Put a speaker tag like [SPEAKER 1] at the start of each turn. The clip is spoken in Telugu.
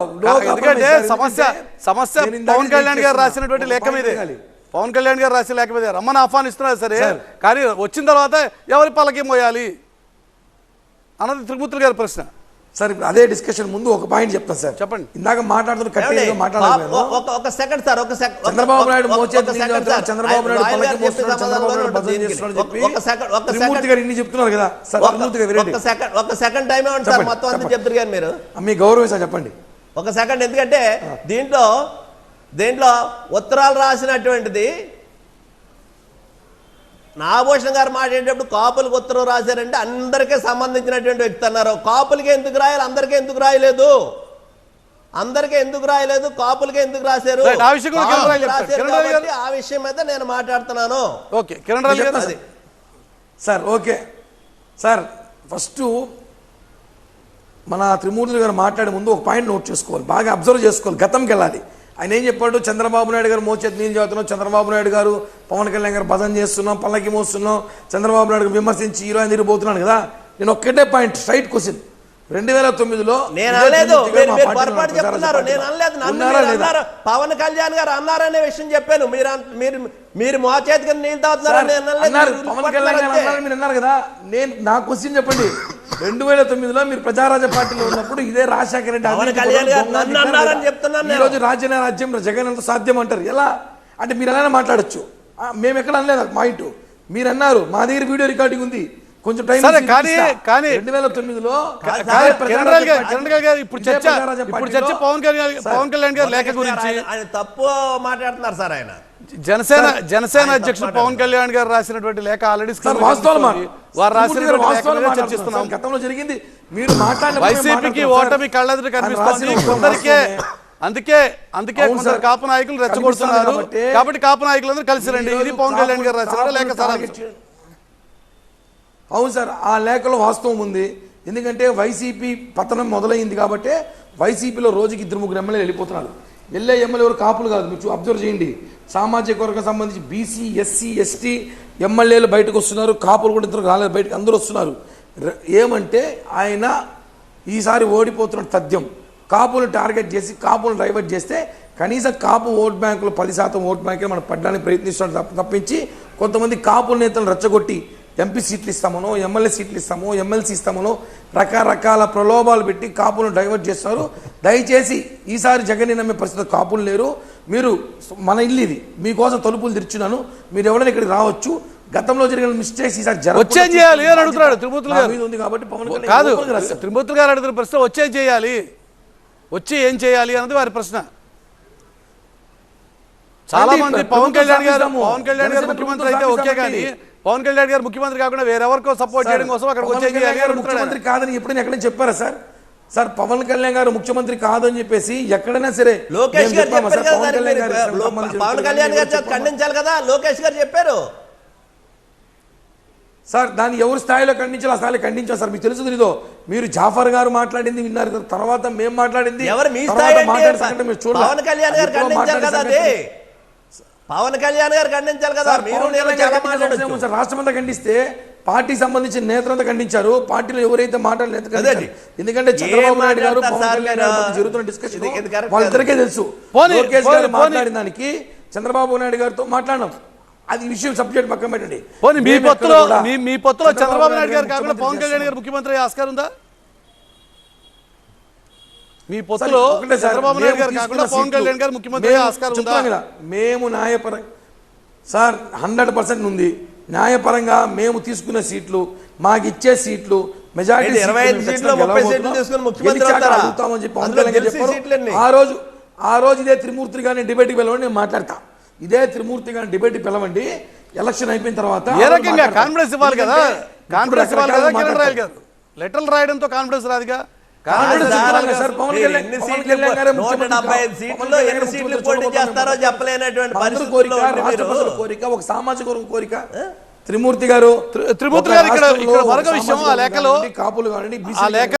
[SPEAKER 1] ఎందుకంటే సమస్య పవన్ కళ్యాణ్ గారు రాసినటువంటి లేఖ మీదే, పవన్ కళ్యాణ్ గారు రాసిన లేఖ మీదే రమ్మని ఆహ్వానిస్తున్నారు సరే, కానీ వచ్చిన తర్వాత ఎవరి పల్లకి మోయాలి అన్నది త్రిమూర్తులు గారి ప్రశ్న.
[SPEAKER 2] సార్ అదే డిస్కషన్ ముందు ఒక పాయింట్ చెప్తాను సార్.
[SPEAKER 1] చెప్పండి.
[SPEAKER 2] ఇందాక మాట్లాడుతున్న కట్టేదో మాట్లాడలేదు.
[SPEAKER 3] ఒక సెకండ్ సార్, ఒక సెకండ్.
[SPEAKER 2] చంద్రబాబు నాయుడు మోచేతి చంద్రబాబు నాయుడు పల్లకి మోస్తున్నాడు, చంద్రబాబు నాయుడు భజన చేస్తున్నాడు చెప్పి త్రిమూర్తి గారు ఇన్ని చెప్తున్నారు కదా సార్.
[SPEAKER 3] ఒక సెకండ్ టైం ఇవ్వండి సార్, మొత్తం అంతా చెప్తారు కానీ మీరు
[SPEAKER 2] మీ గౌరవం సార్ చెప్పండి
[SPEAKER 3] ఒక సెకండ్. ఎందుకంటే దీంట్లో ఉత్తరాలు రాసినటువంటిది నాగభూషణ్ గారు మాట్లాడేటప్పుడు కాపులకు ఉత్తరం రాశారంటే అందరికీ సంబంధించినటువంటి వ్యక్తి అన్నారు. కాపులకి ఎందుకు రాయాలి, అందరికీ ఎందుకు రాయలేదు, అందరికీ ఎందుకు రాయలేదు, కాపులకి ఎందుకు రాశారు, ఆ విషయం మీద నేను మాట్లాడుతున్నాను.
[SPEAKER 2] సార్ ఓకే సార్, ఫస్ట్ మన త్రిమూర్తులు గారు మాట్లాడే ముందు ఒక పాయింట్ నోట్ చేసుకోవాలి, బాగా అబ్జర్వ్ చేసుకోవాలి, గతంకి వెళ్ళాలి. ఆయన ఏం చెప్పాడు, చంద్రబాబు నాయుడు గారు మోచేతి నీళ్ళు చదువుతున్నాం, చంద్రబాబు నాయుడు గారు పవన్ కళ్యాణ్ గారు భజన చేస్తున్నాం, పల్లకి మోస్తున్నాం, చంద్రబాబు నాయుడు గారు విమర్శించి హీరో ఆయన తిరిగిపోతున్నాను కదా. నేను ఒక్కటే పాయింట్ స్ట్రైట్ క్వశ్చన్, 2009లో
[SPEAKER 3] పవన్ కళ్యాణ్ గారు అన్నారనే విషయం చెప్పాను. మీరు మోచేతికి నీళ్ళు తాగుతున్నారు
[SPEAKER 2] పవన్ కళ్యాణ్ గారు మీరు అన్నారు కదా. నేను నా క్వశ్చన్ చెప్పండి, 2009లో మీరు ప్రజారాజ్య పార్టీలో ఉన్నప్పుడు ఇదే రాజశేఖర రెడ్డి ఈరోజు రాజ్యం జగన్ అంత సాధ్యం అంటారు ఎలా అంటే మీరు ఎలా మాట్లాడచ్చు? మేము ఎక్కడ అనలేదు పాయింట్, మీరు అన్నారు. మా దగ్గర వీడియో రికార్డింగ్ ఉంది, కొంచెం టైం. 2009లో
[SPEAKER 1] ఇప్పుడు చర్చ పవన్ కళ్యాణ్ గారి లేఖ గురించి
[SPEAKER 3] తప్పు మాట్లాడుతున్నారు సార్. ఆయన
[SPEAKER 1] జనసేన అధ్యక్షుడు పవన్ కళ్యాణ్ గారు రాసినటువంటి లేఖ ఆల్రెడీ వారు రాసినటువంటి చర్చిస్తున్నాం.
[SPEAKER 2] గతంలో జరిగింది మీరు మాట్లాడిన
[SPEAKER 1] వైసీపీకి ఓటమి కళ్ళెదురు కనిపిస్తోంది కొందరికే, అందుకే కొందరు కాపు నాయకులు రెచ్చగొడుతున్నారు. కాబట్టి కాపు నాయకులందరూ కలిసి రండి, ఇది పవన్ కళ్యాణ్ గారు రాసిన లేఖ సారాంశం.
[SPEAKER 2] అవును సార్, ఆ లేఖలో వాస్తవం ఉంది. ఎందుకంటే వైసీపీ పతనం మొదలైంది కాబట్టి వైసీపీలో రోజుకి 2-3 ఎమ్మెల్యేలు వెళ్ళిపోతున్నారు. వెళ్ళే ఎమ్మెల్యే ఎవరు కాపులు కాదు, మీరు అబ్జర్వ్ చేయండి. సామాజిక వర్గం సంబంధించి బీసీ, ఎస్సీ, ఎస్టీ ఎమ్మెల్యేలు బయటకు వస్తున్నారు, కాపులు కూడా ఇద్దరు రాలేదు బయటకు, అందరూ వస్తున్నారు. ఏమంటే ఆయన ఈసారి ఓడిపోతున్న తథ్యం. కాపులను టార్గెట్ చేసి కాపులను డైవర్ట్ చేస్తే కనీసం కాపు ఓట్ బ్యాంకులు 10% ఓట్ బ్యాంకులు మనం పడ్డానికి ప్రయత్నిస్తున్నాడు తప్పించి కొంతమంది కాపుల నేతలను రెచ్చగొట్టి ఎంపీ సీట్లు ఇస్తామనో, ఎమ్మెల్యే సీట్లు ఇస్తామో, ఎమ్మెల్సీ ఇస్తామనో రకరకాల ప్రలోభాలు పెట్టి కాపులను డైవర్ట్ చేస్తున్నారు. దయచేసి ఈసారి జగన్ని నమ్మే పరిస్థితి కాపులు లేరు. మీరు మన ఇల్లు ఇది, మీకోసం తలుపులు తెరిచున్నాను, మీరు ఎవరైనా ఇక్కడికి రావచ్చు. గతంలో జరిగిన మిస్టేక్స్ ఈసారి
[SPEAKER 1] వచ్చే చేయాలి అని అడుగుతున్నాడు త్రిమూర్తులు గారు.
[SPEAKER 2] ఉంది కాబట్టి పవన్
[SPEAKER 1] కాదు, త్రిమూర్తులు గారు అడుగుతున్న ప్రశ్న వచ్చే చేయాలి, వచ్చి ఏం చేయాలి అన్నది వారి ప్రశ్న. చాలా మంది పవన్ కళ్యాణ్ గారు ముఖ్యమంత్రి అయితే ఓకే, కానీ పవన్ కళ్యాణ్ గారు ముఖ్యమంత్రి కాకుండా వేరెవరికో సపోర్ట్ చేయడం కోసం అక్కడ
[SPEAKER 2] ముఖ్యమంత్రి కాదని ఎప్పుడైనా ఎక్కడైనా చెప్పారా సార్? సార్ పవన్ కళ్యాణ్ గారు ముఖ్యమంత్రి కాదని చెప్పేసి ఎక్కడైనా సరే
[SPEAKER 3] లోకేష్ గారు పవన్ కళ్యాణ్ గారు ఖండించాలి కదా, లోకేష్ గారు చెప్పారు
[SPEAKER 2] సార్. దాన్ని ఎవరు స్థాయిలో ఖండించాలి, ఆ స్థాయిలో ఖండించాలి సార్. మీకు తెలుసు ఇదో, మీరు జాఫర్ గారు మాట్లాడింది విన్నారు, తర్వాత మేము మాట్లాడింది
[SPEAKER 3] పవన్ కళ్యాణ్ గారు ఖండించాలి కదా, అది పవన్ కళ్యాణ్ గారు ఖండించాలి కదా.
[SPEAKER 2] రాష్ట్రమంతా ఖండిస్తే పార్టీ సంబంధించిన నేతలంతా ఖండించారు, పార్టీలో ఎవరైతే మాట్లాడలేదు. ఎందుకంటే చంద్రబాబు నాయుడు గారు పవన్ కళ్యాణ్ గారు జరుగుతున్న డిస్కషన్ వాళ్ళిద్దరికే తెలుసు. లోకేష్ గారు మాట్లాడిన దానికి చంద్రబాబు నాయుడు గారితో మాట్లాడినాం, అది విషయం సబ్జెక్ట్ పక్కన పెట్టండి.
[SPEAKER 1] మీ పొత్తులో చంద్రబాబు నాయుడు గారు కాకుండా పవన్ కళ్యాణ్ గారు ముఖ్యమంత్రి అయ్యే ఆస్కారం ఉందా? మీ పొత్తులో చంద్రబాబు నాయుడు గారు కాకుండా పవన్ కళ్యాణ్ గారు ముఖ్యమంత్రి అయ్యే ఆస్కారం ఉందా?
[SPEAKER 2] మేము న్యాయపరంగా సార్ 100% ఉంది. న్యాయపరంగా మేము తీసుకున్న సీట్లు, మాకు ఇచ్చే సీట్లు మెజారిటీ
[SPEAKER 3] అడుగుతామని
[SPEAKER 2] చెప్పి పవన్ కళ్యాణ్ గారు చెప్పారు. ఆ రోజు ఇదే త్రిమూర్తి గారిని డిబేట్కి వెళ్ళమని నేను మాట్లాడతా. ఇదే త్రిమూర్తి గారిని డిబేట్కి పిలవండి, ఎలక్షన్ అయిపోయిన తర్వాత
[SPEAKER 1] ఏ రకంగా కాన్ఫిడెన్స్ ఇవ్వాలి కదా, కాన్ఫిడెన్స్ ఇవ్వాలి కదా. కిరణ్ రాయల్ గారు లెటర్లు రాయడంతో కాన్ఫిడెన్స్ రాదుగా.
[SPEAKER 2] కోరిక, ఒక సామాజిక కోరిక. త్రిమూర్తి గారు
[SPEAKER 1] ఇక్కడ మరొక విషయం, ఆ లేఖలో
[SPEAKER 2] కాపులు కానీ